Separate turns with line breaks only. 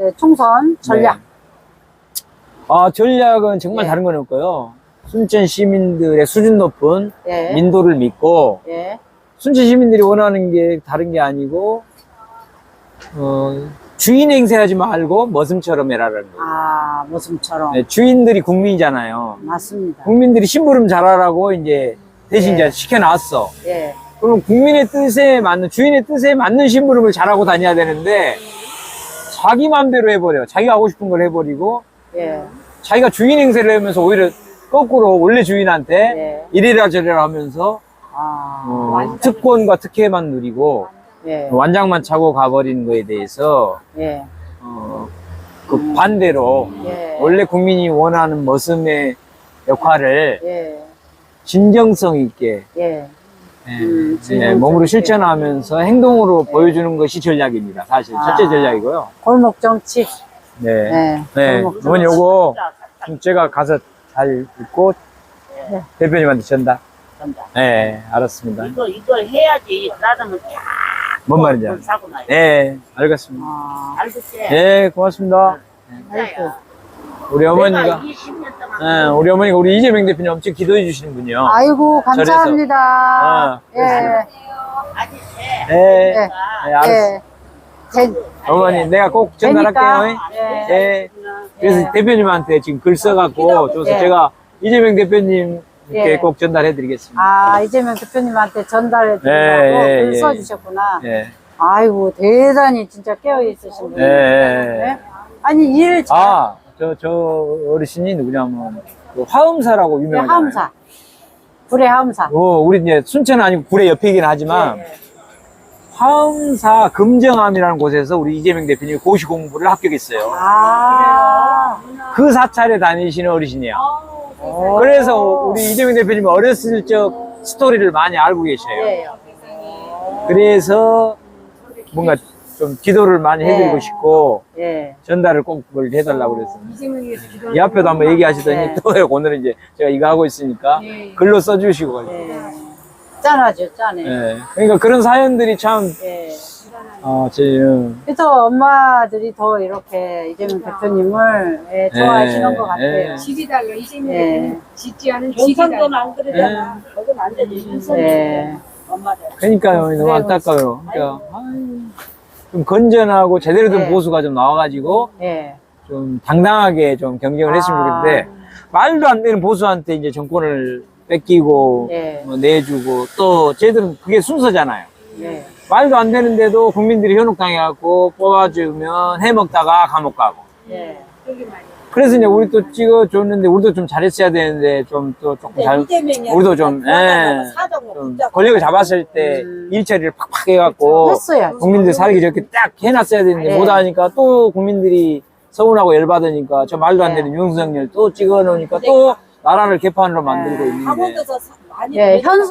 네, 총선 전략.
네. 아, 전략은 정말
예.
다른 건 없고요. 순천 시민들의 수준 높은
예.
민도를 믿고,
예.
순천 시민들이 원하는 게 다른 게 아니고, 주인 행세하지 말고 머슴처럼 해라라는 거예요.
아, 모습처럼.
네, 주인들이 국민이잖아요.
맞습니다.
국민들이 심부름 잘하라고 이제 대신
예.
이제 시켜놨어.
예.
그럼 국민의 뜻에 맞는, 주인의 뜻에 맞는 심부름을 잘하고 다녀야 되는데, 자기 마음대로 해버려. 자기가 하고 싶은 걸 해버리고,
예.
자기가 주인 행세를 하면서 오히려 거꾸로 원래 주인한테
예.
이래라 저래라 하면서
아,
특권과 특혜만 누리고
예.
완장만 차고 가버리는 거에 대해서
예.
그 반대로
예.
원래 국민이 원하는 머슴의 역할을
예.
진정성 있게
예.
몸으로 실천하면서 행동으로 보여주는 것이 전략입니다. 사실 첫째 전략이고요.
골목 정치.
네.
네.
네.
골목
어머니
정치.
요거 좀 제가 가서 잘 읽고
네.
대표님한테 전달.
전달.
네, 알았습니다.
이걸 해야지. 그러면 쫙.
뭔 말인지
돈 사고 나요.
네, 알겠습니다.
아,
알겠지?
네, 고맙습니다.
아이고.
우리 어머니가,
20년 동안.
우리 어머니가 우리 이재명 대표님 엄청 기도해 주시는군요.
아이고, 감사합니다.
아,
예.
아직
네,
예.
네, 알았어.
예.
어머니, 내가 꼭 전달할게요.
예.
네. 그래서
예.
대표님한테 지금 글 써갖고 줘서
예.
제가 이재명 대표님께
예.
꼭 전달해 드리겠습니다.
아, 이재명 대표님한테 전달해 드리라고
예, 예,
글
예.
써주셨구나.
네.
아이고, 대단히 진짜 깨어있으신 분이에요.
네.
아니, 일 잘.
아, 저 어르신이 누구냐면, 그 화엄사라고 유명하잖아요.
하음사. 불의 하음사.
우리 이제 순천은 아니고 구례 옆이긴 하지만, 화엄사 금정암이라는 곳에서 우리 이재명 대표님이 고시 공부를 합격했어요.
아,
그 사찰에 다니시는 어르신이에요. 그래서 우리 이재명 대표님이 어렸을 적 스토리를 많이 알고 계셔요.
예.
그래서 뭔가 좀 기도를 많이 해드리고
네.
싶고,
예.
전달을 꼭 그걸 해달라고 그랬습니다. 이 앞에도 한번 얘기하시더니
네.
또 오늘은 이제 제가 이거 하고 있으니까 글로 써주시고.
예. 짠하죠, 짠해.
예. 그러니까 그런 사연들이 참,
예.
제,
그래서 엄마들이 더 이렇게 이재명 대표님을 예, 좋아하시는 것 같아요.
예.
질이 달라. 이재명
예.
대표는 짓지 않은 질이
경상도는
달라.
안 그러잖아. 거긴 안 되지.
예.
엄마들.
그러니까요. 너무 안타까워요. 그러니까, 좀 건전하고 제대로 된
네.
보수가 좀 나와가지고
예.
좀 당당하게 좀 경쟁을 했으면 좋겠는데, 말도 안 되는 보수한테 이제 정권을 뺏기고,
예.
뭐 내주고, 또 쟤들은 그게 순서잖아요.
예.
말도 안 되는데도 국민들이 현혹당해갖고 뽑아주면 해먹다가 감옥 가고.
예.
그래서 이제 우리 또 찍어줬는데 우리도 좀 잘했어야 되는데 좀 또 조금 잘, 우리도 좀, 좀 권력을 잡았을 때 일처리를 팍팍 해갖고
했어요.
국민들 살기 좋게 딱 해놨어야 되는데
네.
못하니까 또 국민들이 서운하고 열받으니까 저 말도 안 되는 윤석열 또 찍어놓으니까 또 나라를 개판으로 만들고 있는데.
강원도에서 많이
예. 현